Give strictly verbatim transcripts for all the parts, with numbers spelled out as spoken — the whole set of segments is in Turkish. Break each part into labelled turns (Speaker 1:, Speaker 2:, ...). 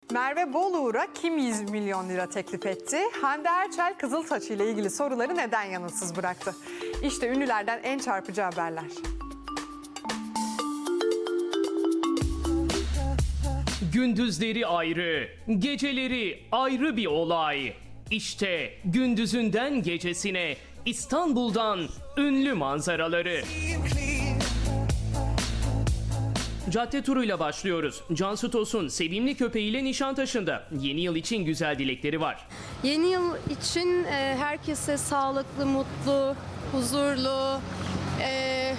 Speaker 1: Merve Boluğur'a kim yüz milyon lira teklif etti? Hande Erçel Kızılsaç ile ilgili soruları neden yanıtsız bıraktı? İşte ünlülerden en çarpıcı haberler.
Speaker 2: Gündüzleri ayrı, geceleri ayrı bir olay. İşte gündüzünden gecesine İstanbul'dan ünlü manzaraları. Cadde turuyla başlıyoruz. Cansu Tosun sevimli köpeğiyle Nişantaşı'nda. Yeni yıl için güzel dilekleri var.
Speaker 3: Yeni yıl için e, herkese sağlıklı, mutlu, huzurlu, e,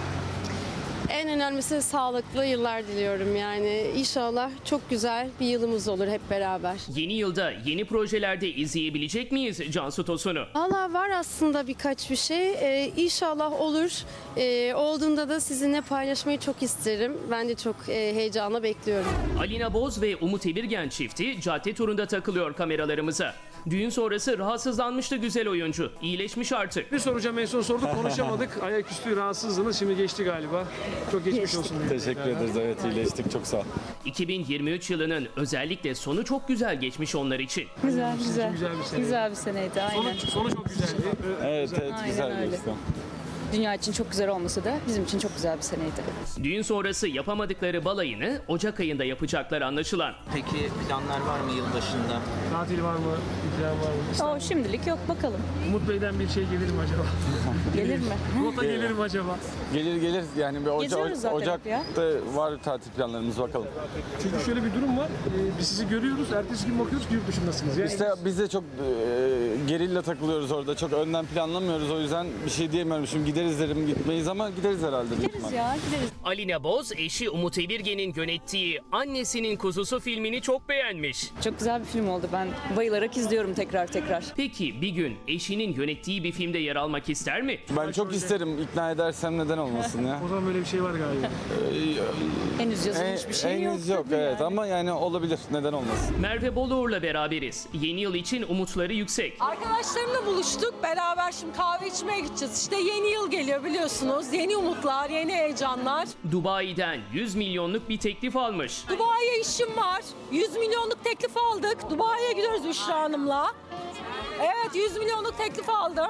Speaker 3: en önemlisi sağlıklı yıllar diliyorum yani. İnşallah çok güzel bir yılımız olur hep beraber.
Speaker 2: Yeni yılda yeni projelerde izleyebilecek miyiz Cansu Tosun'u?
Speaker 3: Valla var aslında birkaç bir şey. E, İnşallah olur. E, olduğunda da sizinle paylaşmayı çok isterim. Ben de çok e, heyecanla bekliyorum.
Speaker 2: Alina Boz ve Umut Evirgen çifti cadde turunda takılıyor kameralarımıza. Düğün sonrası rahatsızlanmıştı güzel oyuncu. İyileşmiş artık.
Speaker 4: Bir soracağım, en son sorduk konuşamadık. Ayaküstü rahatsızlığınız şimdi geçti galiba. Çok geçmiş olsun.
Speaker 5: Teşekkür ederiz. Evet, iyileştik. Çok sağ ol.
Speaker 2: iki bin yirmi üç yılının özellikle sonu çok güzel geçmiş onlar için.
Speaker 6: Güzel güzel.
Speaker 4: Güzel bir sene.
Speaker 6: Güzel bir seneydi aynen.
Speaker 4: Sonu, sonu çok güzeldi.
Speaker 5: Evet, evet
Speaker 6: Aynen
Speaker 5: güzel
Speaker 6: öyle.
Speaker 5: geçti.
Speaker 6: Dünya için çok güzel olması da bizim için çok güzel bir seneydi.
Speaker 2: Düğün sonrası yapamadıkları balayını Ocak ayında yapacaklar anlaşılan.
Speaker 7: Peki planlar var mı yılbaşında?
Speaker 4: Tatil var mı? Bir plan var mı?
Speaker 6: O şimdilik yok bakalım.
Speaker 4: Umut Bey'den bir şey gelir mi acaba?
Speaker 6: Gelir mi?
Speaker 4: Rota gelir mi acaba?
Speaker 5: Gelir gelir yani bir Oca-
Speaker 6: Geziyoruz zaten
Speaker 5: Ocak'ta
Speaker 6: ya.
Speaker 5: var tatil planlarımız bakalım.
Speaker 4: Çünkü şöyle bir durum var. Ee, biz sizi görüyoruz. Ertesi gün bakıyoruz ki yurt dışındasınız. Yani
Speaker 5: İşte biz de çok e, gerilla takılıyoruz orada. Çok önden planlamıyoruz. O yüzden bir şey diyemiyorum. Şimdi gideriz derim gitmeyiz ama gideriz herhalde. büyük
Speaker 6: Gideriz
Speaker 5: ihtimal.
Speaker 6: ya gideriz.
Speaker 2: Alina Boz eşi Umut Evirgen'in yönettiği Annesinin Kuzusu filmini çok beğenmiş.
Speaker 6: Çok güzel bir film oldu. Ben bayılarak izliyorum tekrar tekrar.
Speaker 2: Peki bir gün eşinin yönettiği bir filmde yer almak ister mi?
Speaker 5: Ben çok isterim. İkna edersem neden olmasın ya.
Speaker 4: o zaman böyle bir şey var galiba.
Speaker 6: Henüz yazılmış
Speaker 5: En-
Speaker 6: bir şey yok.
Speaker 5: henüz yok
Speaker 6: tabii
Speaker 5: evet
Speaker 6: yani.
Speaker 5: ama yani olabilir. Neden olmasın?
Speaker 2: Merve Boluğur'la beraberiz. Yeni yıl için umutları yüksek.
Speaker 8: Arkadaşlarımla buluştuk. Beraber şimdi kahve içmeye gideceğiz. İşte yeni yıl geliyor biliyorsunuz. Yeni umutlar, yeni heyecanlar.
Speaker 2: Dubai'den yüz milyonluk bir teklif almış.
Speaker 8: Dubai'ye işim var. yüz milyonluk teklif aldık. Dubai'ye gidiyoruz Büşra Hanım'la. Evet yüz milyonluk teklif aldım.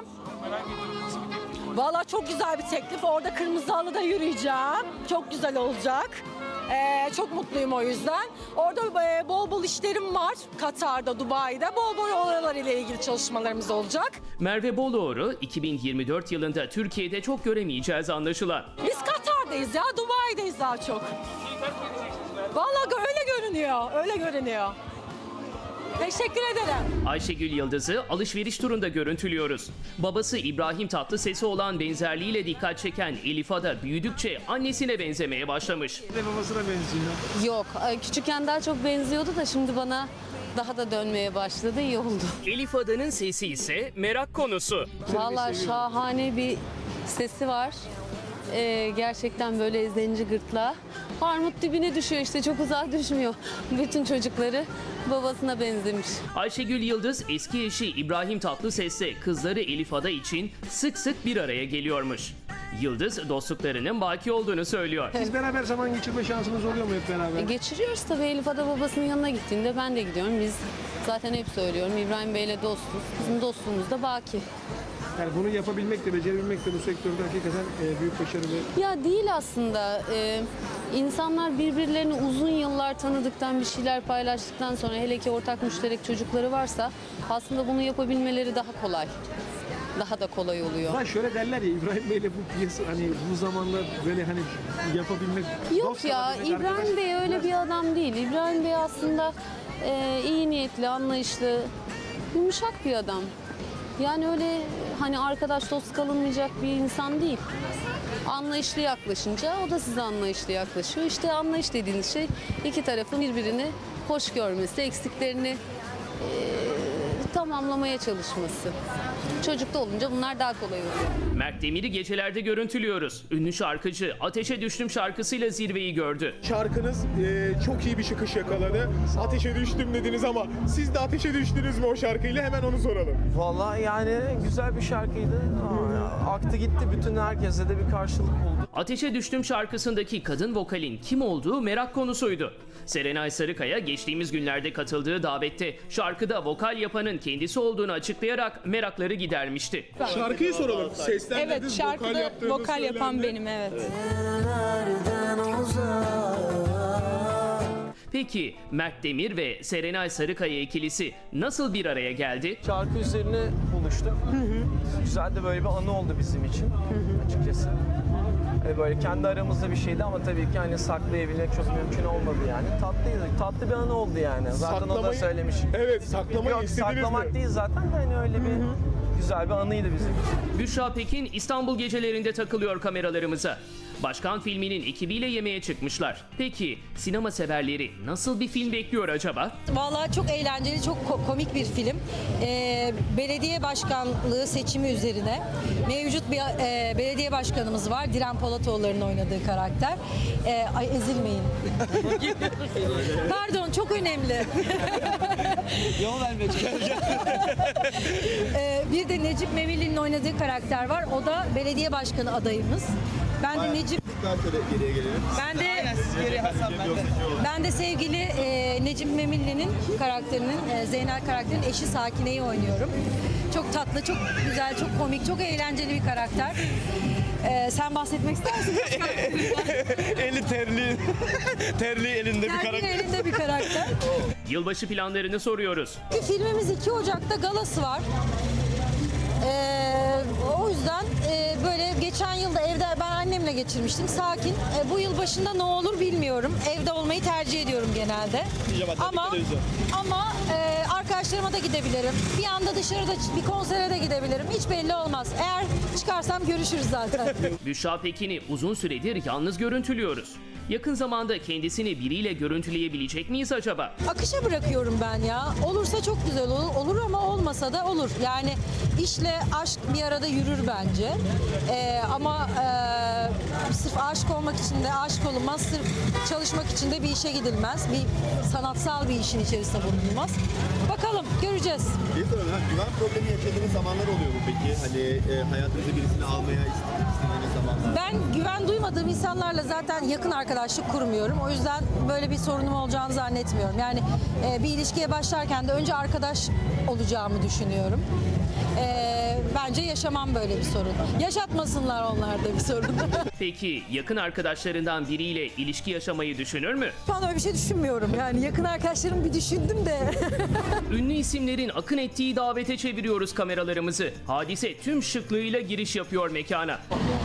Speaker 8: Valla çok güzel bir teklif. Orada kırmızı halıda yürüyeceğim. Çok güzel olacak. Ee, çok mutluyum o yüzden. Orada e, bol bol işlerim var. Katar'da, Dubai'de. Bol bol oralar ile ilgili çalışmalarımız olacak.
Speaker 2: Merve Boluğur'u iki bin yirmi dört yılında Türkiye'de çok göremeyeceğiz anlaşılan.
Speaker 8: Biz Katar'dayız ya, Dubai'deyiz daha çok. Vallahi öyle görünüyor, öyle görünüyor. Teşekkür ederim.
Speaker 2: Ayşegül Yıldız'ı alışveriş turunda görüntülüyoruz. Babası İbrahim Tatlıses'e olan benzerliğiyle dikkat çeken Elif Ada büyüdükçe annesine benzemeye başlamış.
Speaker 4: Bir de babasına benziyor.
Speaker 3: Yok, küçükken daha çok benziyordu da şimdi bana daha da dönmeye başladı. İyi oldu.
Speaker 2: Elif Ada'nın sesi ise merak konusu.
Speaker 3: Vallahi şahane bir sesi var. Ee, gerçekten böyle zenci gırtlağı. Armut dibine düşüyor işte, çok uzağa düşmüyor. Bütün çocukları babasına benzemiş.
Speaker 2: Ayşegül Yıldız eski eşi İbrahim Tatlıses'le kızları Elif Ada için sık sık bir araya geliyormuş. Yıldız dostluklarının baki olduğunu söylüyor.
Speaker 4: Siz beraber zaman geçirme şansınız oluyor mu hep beraber?
Speaker 3: E, geçiriyoruz tabii. Elif Ada babasının yanına gittiğinde ben de gidiyorum. Biz zaten hep söylüyorum, İbrahim Bey'le dostuz. Bizim dostluğumuz da baki.
Speaker 4: Yani bunu yapabilmek de, becerebilmek de bu sektörde hakikaten e, büyük başarı ve
Speaker 3: Ya değil aslında. Ee, insanlar birbirlerini uzun yıllar tanıdıktan, bir şeyler paylaştıktan sonra, hele ki ortak müşterek çocukları varsa, aslında bunu yapabilmeleri daha kolay. Daha da kolay oluyor.
Speaker 4: Ha şöyle derler ya, İbrahim Bey'le bu piyasa hani bu zamanda böyle hani yapabilmek...
Speaker 3: Yok
Speaker 4: dost
Speaker 3: ya,
Speaker 4: kalabilmek,
Speaker 3: İbrahim
Speaker 4: arkadaş-
Speaker 3: Bey öyle bir adam değil. İbrahim Bey aslında e, iyi niyetli, anlayışlı, yumuşak bir adam. Yani öyle hani arkadaş dost kalınmayacak bir insan değil. Anlayışlı yaklaşınca o da size anlayışlı yaklaşıyor. İşte anlayış dediğiniz şey iki tarafın birbirini hoş görmesi, eksiklerini e, tamamlamaya çalışması. Çocukta olunca bunlar daha kolay oluyor.
Speaker 2: Mert Demir'i gecelerde görüntülüyoruz. Ünlü şarkıcı Ateşe Düştüm şarkısıyla zirveyi gördü.
Speaker 9: Şarkınız e, çok iyi bir çıkış yakaladı. Ateşe düştüm dediniz ama siz de ateşe düştünüz mü o şarkıyla? Hemen onu soralım.
Speaker 10: Vallahi yani güzel bir şarkıydı. Aa, aktı gitti. Bütün herkese de bir karşılık buldu.
Speaker 2: Ateşe Düştüm şarkısındaki kadın vokalin kim olduğu merak konusuydu. Serenay Sarıkaya geçtiğimiz günlerde katıldığı davette şarkıda vokal yapanın kendisi olduğunu açıklayarak merakları gidermişti.
Speaker 9: Şarkıyı soralım. Seslendirdiniz,
Speaker 8: Evet, şarkıda
Speaker 9: vokal, yaptığınız
Speaker 8: vokal yapan
Speaker 9: söylendi.
Speaker 8: benim, evet.
Speaker 2: Peki Mert Demir ve Serenay Sarıkaya ikilisi nasıl bir araya geldi?
Speaker 10: Şarkı üzerine buluştuk. Güzel de böyle bir anı oldu bizim için açıkçası. E, Böyle kendi aramızda bir şeydi ama tabii ki hani saklayabilmek çok mümkün olmadı yani. Tatlıydı, tatlı bir anı oldu yani. Zaten o da
Speaker 9: Saklamayı-
Speaker 10: söylemiş.
Speaker 9: Evet, saklamayı
Speaker 10: Yok,
Speaker 9: istediniz
Speaker 10: saklamak
Speaker 9: mi?
Speaker 10: değil zaten de hani öyle bir güzel bir anıydı bizim için.
Speaker 2: Büşra Pekin İstanbul gecelerinde takılıyor kameralarımıza. Başkan filminin ekibiyle yemeğe çıkmışlar. Peki sinema severleri nasıl bir film bekliyor acaba?
Speaker 8: Vallahi çok eğlenceli, çok ko- komik bir film. Ee, belediye başkanlığı seçimi üzerine mevcut bir e, belediye başkanımız var. Diren Polatoğulları'nın oynadığı karakter. Ee, ay ezilmeyin. Pardon, çok önemli.
Speaker 10: Yol vermeye
Speaker 8: Ee, bir de Necip Memilli'nin oynadığı karakter var. O da belediye başkanı adayımız. Ben de Necip
Speaker 9: Geriye gelelim.
Speaker 8: Ben de ben de sevgili e, Necip Memilli'nin karakterinin e, Zeynel karakterinin eşi Sakine'yi oynuyorum. Çok tatlı, çok güzel, çok komik, çok eğlenceli bir karakter. E, sen bahsetmek ister misin?
Speaker 9: Eli terli, terli elinde
Speaker 8: Sergin elinde bir karakter.
Speaker 2: Yılbaşı planlarını soruyoruz.
Speaker 8: Filmimiz iki Ocak'ta galası var. Ee, o yüzden e, böyle geçen yılda evde ben annemle geçirmiştim. Sakin. E, bu yıl başında ne olur bilmiyorum. Evde olmayı tercih ediyorum genelde. Ama ama e, arkadaşlarıma da gidebilirim. Bir anda dışarıda bir konsere de gidebilirim. Hiç belli olmaz. Eğer çıkarsam görüşürüz zaten.
Speaker 2: Büşra Pekin'i uzun süredir yalnız görüntülüyoruz. Yakın zamanda kendisini biriyle görüntüleyebilecek miyiz acaba?
Speaker 8: Akışa bırakıyorum ben ya. Olursa çok güzel olur, olur ama olmasa da olur. Yani işle aşk bir arada yürür bence. Ee, ama e, sırf aşık olmak için de aşık olunmaz. Sırf çalışmak için de bir işe gidilmez. Bir sanatsal bir işin içerisinde bulunulmaz. Bakalım, göreceğiz.
Speaker 11: Bir sorun, ha, güven problemi yaşadığınız zamanlar oluyor mu peki? Hani e, hayatınıza birisini almaya istediğiniz zamanlar.
Speaker 8: Ben güven duymadığım insanlarla zaten yakın arkadaşlık kurmuyorum. O yüzden böyle bir sorunum olacağını zannetmiyorum. Yani e, bir ilişkiye başlarken de önce arkadaş olacağımı düşünüyorum. E, bence yaşamam böyle bir sorun. Yaşatmasınlar onlar da bir sorun.
Speaker 2: Peki yakın arkadaşlarından biriyle ilişki yaşamayı düşünür mü?
Speaker 8: Şu an öyle bir şey düşünmüyorum. Yani yakın arkadaşlarımı bir düşündüm de.
Speaker 2: Ünlü isimlerin akın ettiği davete çeviriyoruz kameralarımızı. Hadise tüm şıklığıyla giriş yapıyor mekana.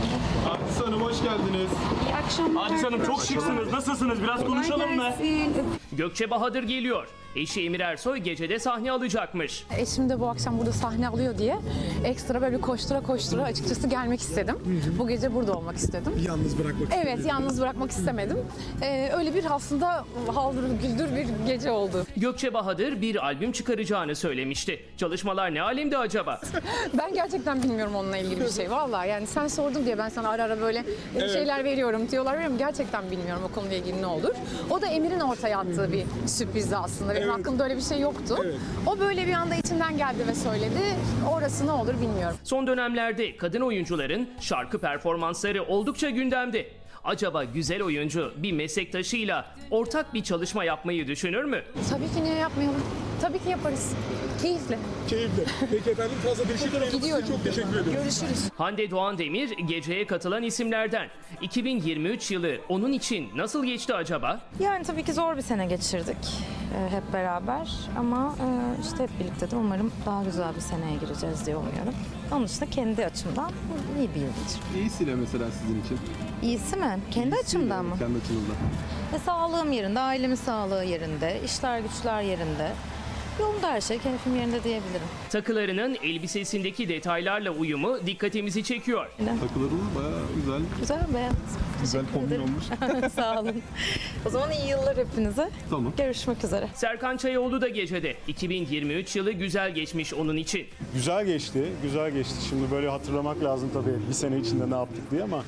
Speaker 9: Hadise Hanım hoş geldiniz.
Speaker 12: Hadise Hanım çok şıksınız. Nasılsınız? Biraz konuşalım mı?
Speaker 2: Gökçe Bahadır geliyor. Eşi Emir Ersoy gecede sahne alacakmış.
Speaker 13: Eşim de bu akşam burada sahne alıyor diye ekstra böyle bir koştura koştura açıkçası gelmek istedim. Bu gece burada olmak istedim.
Speaker 9: Yalnız bırakmak
Speaker 13: Evet, yalnız bırakmak istemedim. Ee, öyle bir aslında haldır güldür bir gece oldu.
Speaker 2: Gökçe Bahadır bir albüm çıkaracağını söylemişti. Çalışmalar ne alemde acaba?
Speaker 13: Ben gerçekten bilmiyorum onunla ilgili bir şey. Vallahi yani sen sordun diye ben sana ara ara böyle şeyler veriyorum, diyorlar veriyorum. Gerçekten bilmiyorum o konuyla ilgili ne olur. O da Emir'in ortaya attığı bir sürprizdi aslında. Benim aklımda öyle bir şey yoktu. O böyle bir anda içinden geldi ve söyledi. Orası ne olur bilmiyorum.
Speaker 2: Son dönemlerde kadın oyuncuların şarkı performansları oldukça gündemde. Acaba güzel oyuncu bir meslektaşıyla ortak bir çalışma yapmayı düşünür mü?
Speaker 13: Tabii ki niye yapmayalım? Tabii ki yaparız. Keyifle.
Speaker 9: Keyifli. Peki efendim, fazla teşekkür ederim.
Speaker 13: Gidiyorum.
Speaker 9: Çok teşekkür ederim.
Speaker 13: Görüşürüz.
Speaker 2: Hande Doğan Demir geceye katılan isimlerden. iki bin yirmi üç yılı onun için nasıl geçti acaba?
Speaker 14: Yani tabii ki zor bir sene geçirdik e, hep beraber ama e, işte hep birlikte de umarım daha güzel bir seneye gireceğiz diye umuyorum. Onun dışında kendi açımdan iyi bir yıl geçirdim.
Speaker 11: İyisiyle mesela sizin için.
Speaker 14: İyisi mi? Kendi açımdan mı?
Speaker 11: Kendi açınızdan.
Speaker 14: E, sağlığım yerinde, ailemin sağlığı yerinde, işler güçler yerinde. Yolunda her şey, keyfim yerinde diyebilirim.
Speaker 2: Takılarının elbisesindeki detaylarla uyumu dikkatimizi çekiyor.
Speaker 11: Takılarınız bayağı güzel.
Speaker 14: Güzel, beyaz.
Speaker 11: Güzel kombin olmuş.
Speaker 14: Sağ olun. O zaman iyi yıllar hepinize.
Speaker 11: Tamam.
Speaker 14: Görüşmek üzere.
Speaker 2: Serkan Çayoğlu da gecede. iki bin yirmi üç yılı güzel geçmiş onun için.
Speaker 15: Güzel geçti, güzel geçti. Şimdi böyle hatırlamak lazım tabii bir sene içinde ne yaptık diye ama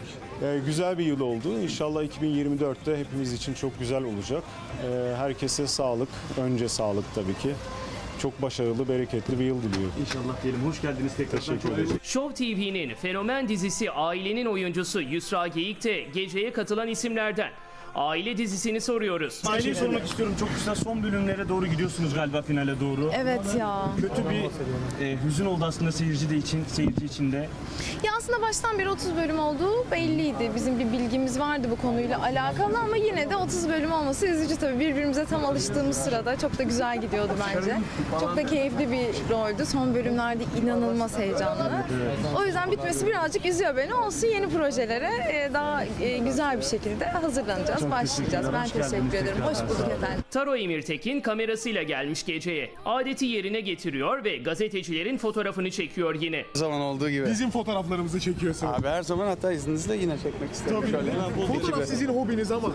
Speaker 15: e, güzel bir yıl oldu. İnşallah iki bin yirmi dörtte hepimiz için çok güzel olacak. E, herkese sağlık, önce sağlık tabii ki. çok başarılı, bereketli bir yıl diliyorum.
Speaker 12: İnşallah diyelim. Hoş geldiniz tekrar.
Speaker 15: Teşekkür ederim.
Speaker 2: Show T V'nin fenomen dizisi Ailenin oyuncusu Yusra Geyik de geceye katılan isimlerden. Aile dizisini soruyoruz.
Speaker 12: Aileyi sormak istiyorum. Çok güzel son bölümlere doğru gidiyorsunuz galiba, finale doğru.
Speaker 13: Evet ya.
Speaker 12: Kötü bir e, hüzün oldu aslında seyirci de için, seyirci için de.
Speaker 13: Ya aslında baştan beri otuz bölüm olduğu belliydi. Bizim bir bilgimiz vardı bu konuyla alakalı ama yine de otuz bölüm olması üzücü tabii. Birbirimize tam alıştığımız sırada çok da güzel gidiyordu bence. Çok da keyifli bir roldü. Son bölümlerde inanılmaz heyecanlı. O yüzden bitmesi birazcık üzüyor beni. Olsun, yeni projelere e, daha e, güzel bir şekilde hazırlanacağız, başlayacağız. Ben teşekkür ederim. Hoş bulduk efendim.
Speaker 2: Taro Emirtekin kamerasıyla gelmiş geceye. Adeti yerine getiriyor ve gazetecilerin fotoğrafını çekiyor yine.
Speaker 5: Her zaman olduğu gibi.
Speaker 9: Bizim fotoğraflarımızı çekiyorsun.
Speaker 5: Abi her zaman, hatta izninizle yine çekmek isterim.
Speaker 9: Tabii.
Speaker 5: Şöyle.
Speaker 9: Fotoğraf
Speaker 5: Ekibi.
Speaker 9: sizin hobiniz ama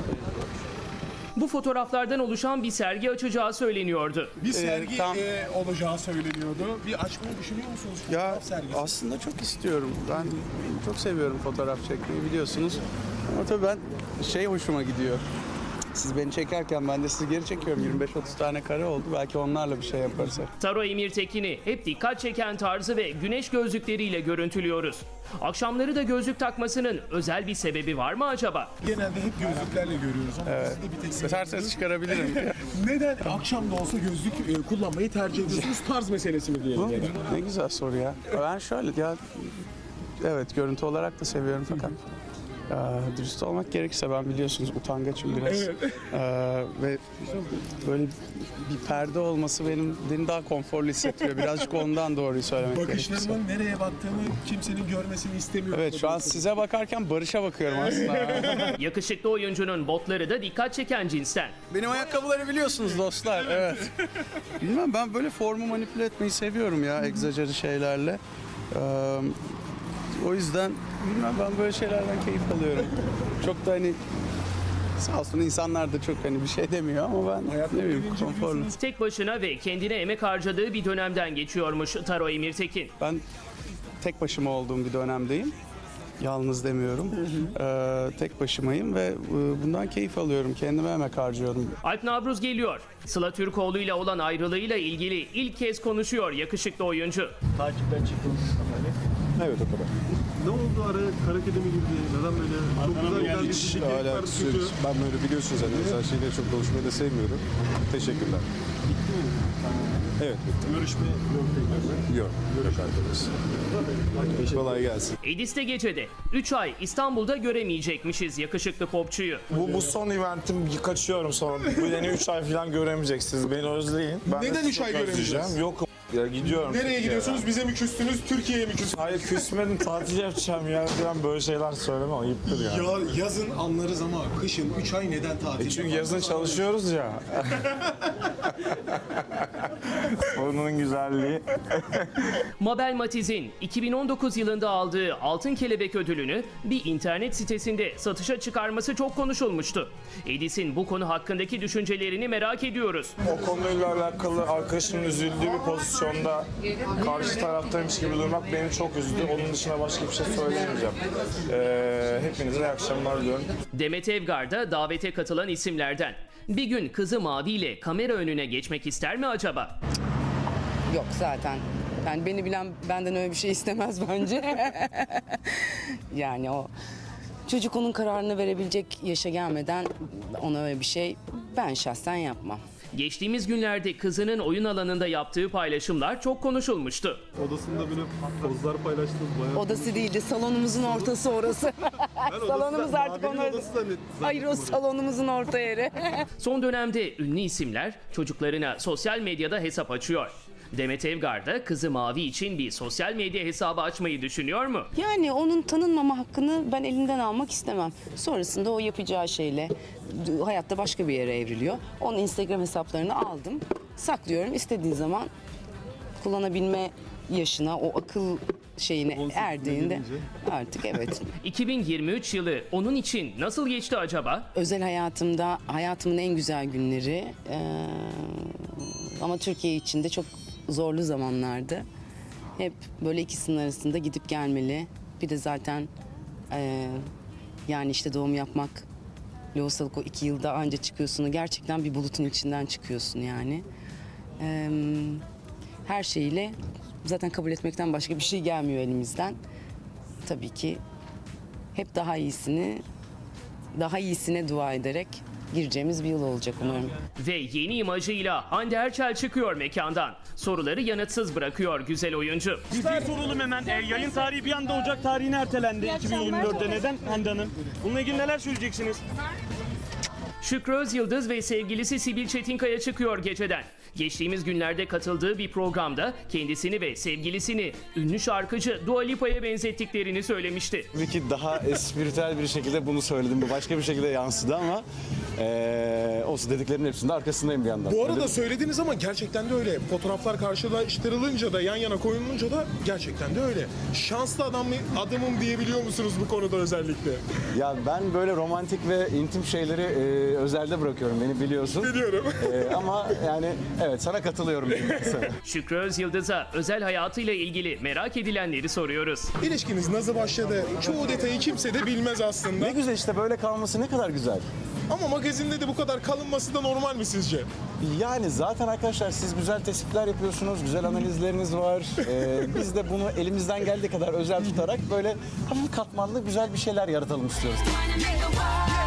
Speaker 2: Bu fotoğraflardan oluşan bir sergi açacağı söyleniyordu.
Speaker 9: bir sergi
Speaker 5: Ee, tam-
Speaker 9: e, olacağı söyleniyordu. Bir açmayı düşünüyor musunuz?
Speaker 5: Ya
Speaker 9: Fotoğraf sergisi.
Speaker 5: aslında çok istiyorum. Ben çok seviyorum fotoğraf çekmeyi, biliyorsunuz. Ama tabii ben şey hoşuma gidiyor. Siz beni çekerken ben de sizi geri çekiyorum. yirmi beş otuz tane kare oldu. Belki onlarla bir şey yaparız.
Speaker 2: Taro Emirtekin'i hep dikkat çeken tarzı ve güneş gözlükleriyle görüntülüyoruz. Akşamları da gözlük takmasının özel bir sebebi var mı acaba?
Speaker 9: Genelde hep gözlüklerle görüyoruz ama
Speaker 5: Evet.
Speaker 9: sizde bir tek
Speaker 5: İsterseniz çıkarabilirim.
Speaker 9: Neden akşam da olsa gözlük e, kullanmayı tercih ediyorsunuz? Tarz meselesi mi diyelim? ya da?
Speaker 5: Ne güzel soru ya. Ben şöyle ya, evet görüntü olarak da seviyorum fakat ya, dürüst olmak gerekirse ben biliyorsunuz utangaçım biraz.
Speaker 9: Evet.
Speaker 5: Ee, ve böyle bir perde olması benim beni daha konforlu hissettiriyor. Birazcık ondan doğruyu söylemek gerekirse.
Speaker 9: Bakışlarımın nereye baktığını kimsenin görmesini istemiyorum.
Speaker 5: Evet, şu an size bakarken Barış'a bakıyorum aslında.
Speaker 2: Yakışıklı oyuncunun botları da dikkat çeken cinsten.
Speaker 5: Benim ayakkabıları biliyorsunuz dostlar. Evet. Bilmem, ben böyle formu manipüle etmeyi seviyorum ya, egzajeri şeylerle. Ee, o yüzden bilmem, ben böyle şeylerden keyif alıyorum. Çok da hani sağ olsun insanlar da çok hani bir şey demiyor ama ben ne bileyim konforlu.
Speaker 2: Tek başına ve kendine emek harcadığı bir dönemden geçiyormuş Taro Emirtekin.
Speaker 5: Ben tek başıma olduğum bir dönemdeyim. Yalnız demiyorum. Ee, tek başımayım ve e, bundan keyif alıyorum. Kendime emek harcıyorum.
Speaker 2: Alp Navruz geliyor. Sıla Türkoğlu ile olan ayrılığıyla ilgili ilk kez konuşuyor yakışıklı oyuncu.
Speaker 12: Takipten çıktınız.
Speaker 15: Evet, o kadar.
Speaker 9: Ne oldu araya kara kedi mi girdi? Neden böyle? Çok güzel giden bir dizi, keyifler kötü.
Speaker 15: Ben böyle biliyorsunuz zaten özel şeyleri çok konuşmayı da sevmiyorum. Teşekkürler. Evet, bitti.
Speaker 9: Görüşme yok tekrar.
Speaker 15: Yok, yok arkadaş. Kolay gelsin.
Speaker 2: Edis'te gecede üç ay İstanbul'da göremeyecekmişiz yakışıklı popçuyu.
Speaker 16: Bu, bu son eventim, kaçıyorum sonra. Bu yeni üç ay falan göremeyeceksiniz. Beni özleyin. Ben
Speaker 9: Neden
Speaker 16: de
Speaker 9: üç
Speaker 16: çok
Speaker 9: ay göremeyeceğiz?
Speaker 16: özleyeceğim. Yok ya, gidiyorum.
Speaker 9: Nereye
Speaker 16: Türkiye'ye.
Speaker 9: gidiyorsunuz? Bize mi küstünüz? Türkiye'ye mi küstünüz?
Speaker 16: Hayır, küsmedim, tatil yapacağım ya. Ben böyle şeyler söylemem, ayıptır ya.
Speaker 9: Ya yazın anlarız ama kışın üç ay neden tatil?
Speaker 16: E çünkü yazın çalışıyoruz ya. Onun güzelliği.
Speaker 2: Mabel Matiz'in iki bin on dokuz yılında aldığı Altın Kelebek ödülünü bir internet sitesinde satışa çıkarması çok konuşulmuştu. Edis'in bu konu hakkındaki düşüncelerini merak ediyoruz.
Speaker 16: O konuyla alakalı arkadaşımın üzüldüğü bir pozisyonda karşı taraftaymış gibi durmak beni çok üzdü. Onun dışında başka bir şey söyleyemeyeceğim. Ee, hepinize iyi akşamlar diliyorum.
Speaker 2: Demet Evgar da davete katılan isimlerden. Bir gün kızı Mavi ile kamera önüne geçmek ister mi acaba?
Speaker 6: Yok zaten. Yani beni bilen benden öyle bir şey istemez bence. Yani o çocuk onun kararını verebilecek yaşa gelmeden ona öyle bir şey ben şahsen yapmam.
Speaker 2: Geçtiğimiz günlerde kızının oyun alanında yaptığı paylaşımlar çok konuşulmuştu.
Speaker 9: Odasında böyle pozlar paylaştınız bayağı.
Speaker 6: Odası değildi, salonumuzun ortası orası. Salonumuz artık onlar. Hayır, o salonumuzun orta yeri.
Speaker 2: Son dönemde ünlü isimler çocuklarına sosyal medyada hesap açıyor. Demet Evgar da kızı Mavi için bir sosyal medya hesabı açmayı düşünüyor mu?
Speaker 6: Yani onun tanınmama hakkını ben elinden almak istemem. Sonrasında o yapacağı şeyle hayatta başka bir yere evriliyor. Onun Instagram hesaplarını aldım, saklıyorum. İstediği zaman kullanabilme yaşına, o akıl şeyine erdiğinde artık evet.
Speaker 2: iki bin yirmi üç yılı onun için nasıl geçti acaba?
Speaker 6: Özel hayatımda hayatımın en güzel günleri ee, ama Türkiye için de çok zorlu zamanlardı. Hep böyle ikisinin arasında gidip gelmeli. Bir de zaten ee, yani işte doğum yapmak, lohusalık o iki yılda anca çıkıyorsun. Gerçekten bir bulutun içinden çıkıyorsun yani. Ee, her şeyiyle zaten kabul etmekten başka bir şey gelmiyor elimizden. Tabii ki hep daha iyisini, daha iyisine dua ederek gireceğimiz bir yıl olacak umarım.
Speaker 2: Ve yeni imajıyla Hande Erçel çıkıyor mekandan. Soruları yanıtsız bırakıyor güzel oyuncu.
Speaker 12: Bir şey soralım hemen. E, yayın tarihi bir anda Ocak tarihine ertelendi iki bin yirmi dörtte. Neden Hande Hanım? Bununla ilgili neler söyleyeceksiniz?
Speaker 2: Şükrü Özyıldız ve sevgilisi Sibil Çetinkaya çıkıyor geceden. Geçtiğimiz günlerde katıldığı bir programda kendisini ve sevgilisini ünlü şarkıcı Dua Lipa'ya benzettiklerini söylemişti.
Speaker 15: Tabii ki daha espritüel bir şekilde bunu söyledim. Bu başka bir şekilde yansıdı ama ee, o dediklerimin hepsinde arkasındayım bir yandan.
Speaker 9: Bu arada söylediniz ama gerçekten de öyle. Fotoğraflar karşılaştırılınca da yan yana koyulunca da gerçekten de öyle. Şanslı adam adamım diyebiliyor musunuz bu konuda özellikle?
Speaker 15: Ya ben böyle romantik ve intim şeyleri e, özelde bırakıyorum, beni biliyorsun.
Speaker 9: Biliyorum.
Speaker 15: E, ama yani evet, sana katılıyorum.
Speaker 2: Şükrü Özyıldız'a özel hayatıyla ilgili merak edilenleri soruyoruz.
Speaker 9: İlişkiniz nasıl başladı? Çoğu detayı kimse de bilmez aslında.
Speaker 15: Ne güzel işte, böyle kalması ne kadar güzel.
Speaker 9: Ama magazinde de bu kadar kalınması da normal mi sizce?
Speaker 15: Yani zaten arkadaşlar siz güzel tespitler yapıyorsunuz, güzel analizleriniz var. Ee, biz de bunu elimizden geldiği kadar özel tutarak böyle hafif katmanlı güzel bir şeyler yaratalım istiyoruz.